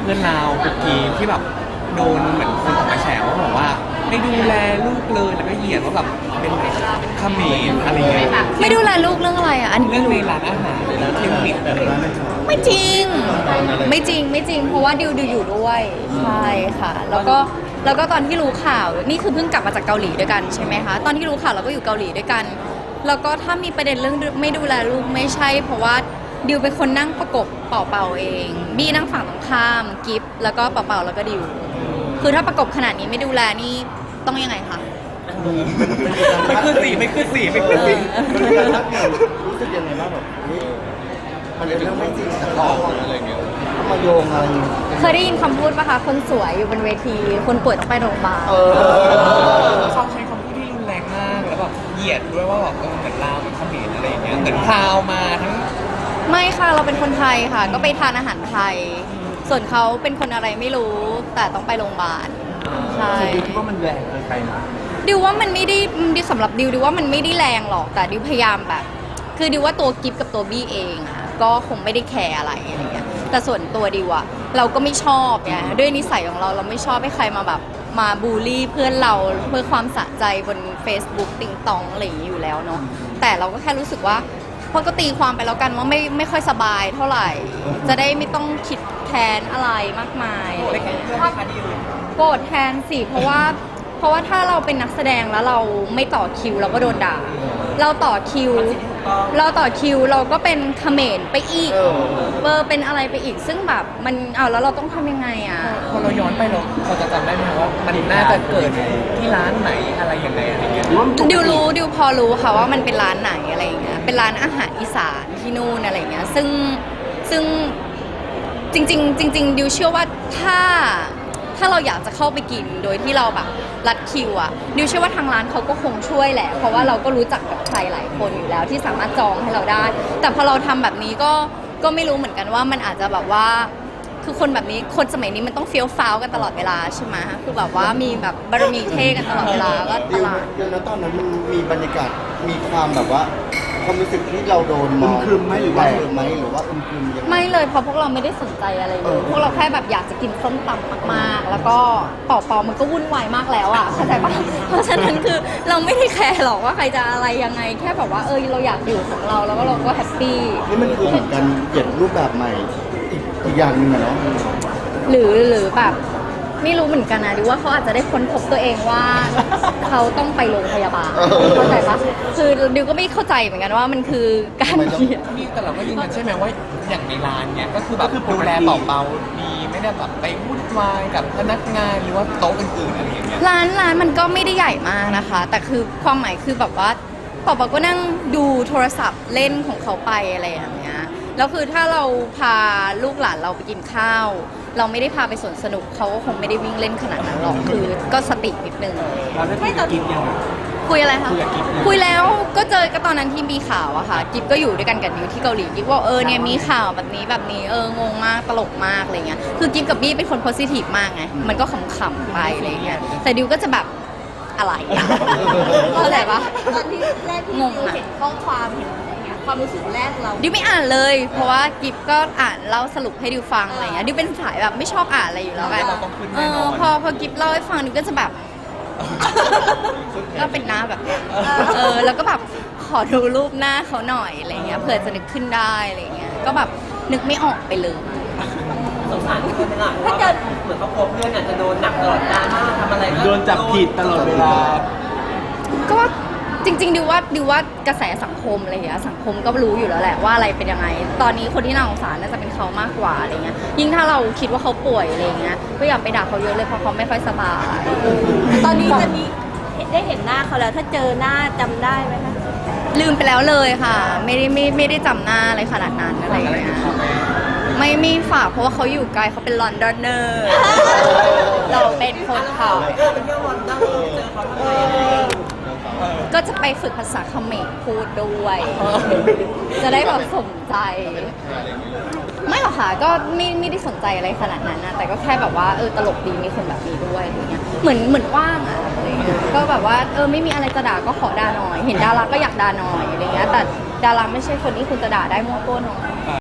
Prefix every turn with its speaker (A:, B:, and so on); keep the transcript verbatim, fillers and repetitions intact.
A: พื่อนเราคุกกีที่แบบโดนเหมือนคนออกมาแฉว่าบอกว่าไม่ดูแลลูกเลยแล้วก็เหยียดว่าแบบเป็นเขมรอะไรเงี้ย
B: ไม่ดูแลลูกเรื่องอะไรอ่ะอัน
A: เรื่องในร้านอาหารแล้วเทคนิคอะไรเงี้ย
B: ไม่จริง ไม่จริงไม่จริง เพราะว่าดิวดิวอยู่ด้วยใช่ค่ะ แล้วก็แล้วก็ตอนที่รู้ข่าวนี่คือเพิ่งกลับมาจากเกาหลีด้วยกันใช่ไหมคะตอนที่รู้ข่าวเราก็อยู่เกาหลีด้วยกัน แล้วก็ถ้ามีประเด็นเรื่องไม่ดูแลลูกไม่ใช่ เพราะว่าดิวเป็นคนนั่งประกบเป่าเป่าเองบี้นั่งฝั่งตรงข้ามกิฟแล้วก็เป่าเป่าแล้วก็ดิวคือถ้าประกบขนาดนี้ไม่ดูแลนี่ต้องยังไงคะ
A: ไม่ขึ้นสีไม่ขึ้นสีไม่ขึ้นสี
C: รู้สึกยังไงบ้างแบบเฮ้ยมันเป็นเรื่องไม่จริงแต่พออะไรเงี้ยมาโยงอะไร
B: เคยได้ยินคำพูดปะคะคนสวยอยู่บนเวทีคนป่วยต้องไปโรงพยาบาล
C: เออ
A: เขาใช้คำพูดที่รุนแรงมากแล้วแบบเหยียดด้วยว่าแบบเออเหมือนลาวเหมือนเขมรอะไรอย่างเงี้ยเหมือนพราวมาทั้ง
B: ไม่ค่ะเราเป็นคนไทยค่ะ ก็ไปทานอาหารไทย ส่วนเขาเป็นคนอะไรไม่รู้ แต่ต้องไปโรงพยาบาลใช่
C: ดิวคิดว่ามันแรงเกินไปนะ
B: ดิวว่ามันไม่ได้ดิวสำหรับดิวดิวว่ามันไม่ได้แรงหรอกแต่ดิวพยายามแบบ คือดิวว่าตัวกิฟกับตัวบี้เองอ่ะก็คงไม่ได้แคร์อะไรอะไรเงี้ยแต่ส่วนตัวดิวอะเราก็ไม่ชอบไงด้วยนิสัยของเราเราไม่ชอบให้ใครมาแบบมาบูลลี่เพื่อนเราเพื่อความสะใจบน Facebook ติงตองอะไรอย่างนี้อยู่แล้วเนาะแต่เราก็แค่รู้สึกว่าเพราะก็ตีความไปแล้วกันว่าไม่ไม่ค่อยสบายเท่าไหร่ จะได้ไม่ต้องคิดแทนอะไรมากมายอะไรเงี้ยโกรธแทนสิเพราะว่าเพราะว่าถ้าเราเป็นนักแสดงแล้วเราไม่ต่อคิวเราก็โดนด่าเราต่อคิว เราต่อคิวเราก็เป็นเขมรไปอีกเบอร์เป็นอะไรไปอีกซึ่งแบบมันเอาแล้วเราต้องทำยังไงอ่ะ
A: พอเราย้อนไปเราเราจะจำได้ไหมว่ามันน่าจะเกิดที่ร้านไหนอะไรยังไงอะไรเงี้ย
B: ดิวรู้ดิวพอรู้ค่ะว่ามันเป็นร้านไหนอะไรอย่างเงี้ยเป็นร้านอาหารอีสานที่นู่นอะไรอย่างเงี้ยซึ่งซึ่งจริง ๆ จริง ๆดิวเชื่อว่าถ้าถ้าเราอยากจะเข้าไปกินโดยที่เราแบบรัดคิวอ่ะดิวเชื่อว่าทางร้านเขาก็คงช่วยแหละเพราะว่าเราก็รู้จักกับใครหลายคนอยู่แล้วที่สามารถจองให้เราได้ แต่พอเราทำแบบนี้ก็ก็ไม่รู้เหมือนกันว่ามันอาจจะแบบว่าคือคนแบบนี้คนสมัยนี้มันต้องเฟี้ยวฟ้าวกันตลอดเวลาใช่ไหมคือแบบว่ามีแบบบารมีเท่กันตลอดเวลาก็ต
C: ดิว
B: ลาด
C: เดี๋ยวนะตอนนั้นมันมีบรรยากาศมีความแบบว่าความรู้สึกที่เราโดนมองอึมครึมไหมหรือว่าอึมไหมหรือว่าอึมครึมยังไง
B: ไม่เลยเพราะพวกเราไม่ได้สนใจอะไรเล
C: เอย อ
B: พวกเราแค่แบบอยากจะกินส้มตำมากๆ แล้วก็เป่าเปามันก็วุ่นวายมากแล้วอ่ะเข้าใจปะเพราะฉะนั้นคือเราไม่ได้แคร์หรอกว่าใครจะอะไรยังไงแค่แบบว่าเออเราอยากอยู่ของเราแล้วก็เราก็แฮปปี้
C: นี่มันคือเหมือนกันเปลี่ยนรูปแบบใหม่อีกอีกอย่างหนึ่งอะเนาะ
B: หรือหรือแบบไม่รู้เหมือนกันนะดิว่าเขาอาจจะได้ค้นพบตัวเองว่า เขาต้องไปโรงพยาบาลเข้าใจปะคือดิวก็ไม่เข้าใจเหมือนกันว่ามันคือการเขียน
A: นี่แต่เราก็ยืนยันใช่ไหมว่าอย่างในร้านเนี้ยก็คือแบบดูแลเบาๆดีไม่ได้แบบไปวุ่นวายกับพนักงานหรือว่าโต๊ะอื่นๆอะไรอย่างเงี้ย
B: ร้านร้านมันก็ไม่ได้ใหญ่มากนะคะ แต่คือความหมายคือแบบว่าปอปอก็นั่งดูโทรศัพท์เล่นของเขาไปอะไรอย่างเงี้ยแล้วคือถ้าเราพาลูกหลานเราไปกินข้าว เราไม่ได้พาไปสวนสนุกเขาก็คงไม่ได้วิ่งเล่นขนาดนั้นหรอกคือก็สตินิดนึง
A: เราได้คุยกับกิฟยัง
B: คุยอะไรคะ
A: คุยกับกิ๊บเลย
B: คุยแล้วก็เจอก็ตอนนั้นที่มีข่าวอะค่ะกิฟก็อยู่ด้วยกันกับดิวที่เกาหลีกิฟว่าเออเนี่ยมีข่าวแบบนี้แบบนี้เอองงมากตลกมากอะไรเงี้ยคือกิฟกับบี้เป็นคนโพสิทีฟมากไงมันก็ขำๆไปอะไรเงี้ยแต่ดิวก็จะแบบอะไรอะเข้าใจปะ
D: ตอนที่แรกที่
B: งง
D: ดิว
B: อะ
D: เห็นข้อความเห็นอะไรเงี้ยความรู้สึกแรกเรา
B: ดิวไม่อ่านเลย เพราะว่ากิฟก็อ่านเล่าสรุปให้ดิวฟังอะไรเงี้ยดิวเป็นสายแบบไม่ชอบอ่านอะไรอยู่แล้วไง
A: เราต้องขึ้น
B: เอ
A: แน่น
B: อ
A: อน
B: พอพอกิฟเล่าให้ฟังดิวก็จะแบบ ก็เป็นหน้าแบบเนี้ยเออแล้วก็แบบขอดูรูปหน้าเขาหน่อยอะไรเงี้ยเผื่อจะนึกขึ้นได้อะไรเงี้ยก็แบบนึกไม่ออกไปเลย
E: สงสารคนหลังว่าแบบเหมือนครอบครัวเพื่อนอาจจะโดนหนักตลอดดราม่าทำอะไรก็
A: โดนจับผิดตลอดเวลา
B: ก็จริงๆดิวว่าดิวว่ากระแสสังคมอะไรอย่างเงี้ยสังคมก็รู้อยู่แล้วแหละว่าอะไรเป็นยังไง ตอนนี้คนที่น่าสงสารน่าจะเป็นเขามากกว่าอะไรเงี้ยยิ่งถ้าเราคิดว่าเขาป่วยอะไรเงี้ยก็อย่าไปด่าเขาเยอะเลยเพราะเขาไม่ค่อยสบาย
D: ตอนนี้จะมีได้เห็นหน้าเขาแล้วถ้าเจอหน้าจำได้ไหมคะ
B: ลืมไปแล้วเลยค่ะ ไม่ได้ไม่ไม่ได้จำหน้าอะไรขนาดนั้นอะไรอย่างเงี้ยไม่ไม่ฝากเพราะว่าเขาอยู่ไกลเขาเป็นลอนดอนเนอร์ เราเป็นคนเขา
E: เออไปเที่ยววันนั้นเจอเขาทำไมอะไรอย่างเงี้ย
B: ก็จะไปฝึกภาษาเขมรพูดด้วย จะได้แบบสนใจ ไม่หรอกค่ะก็ไม่ไม่ได้สนใจอะไรขนาดนั้นนะแต่ก็แค่แบบว่าเออตลกดีมีคนแบบนี้ด้วยอะไรเงี้ยเหมือนเหมือนว่างอะอะไรเงี้ยก็แบบว่าเออไม่มีอะไรจะด่าก็ขอด่าหน่อย เห็นดาราก็อยากด่าหน่อยอะไรเงี้ยแต่ดาราไม่ใช่คนที่คุณจะด่าได้มั่วตัวหน่อย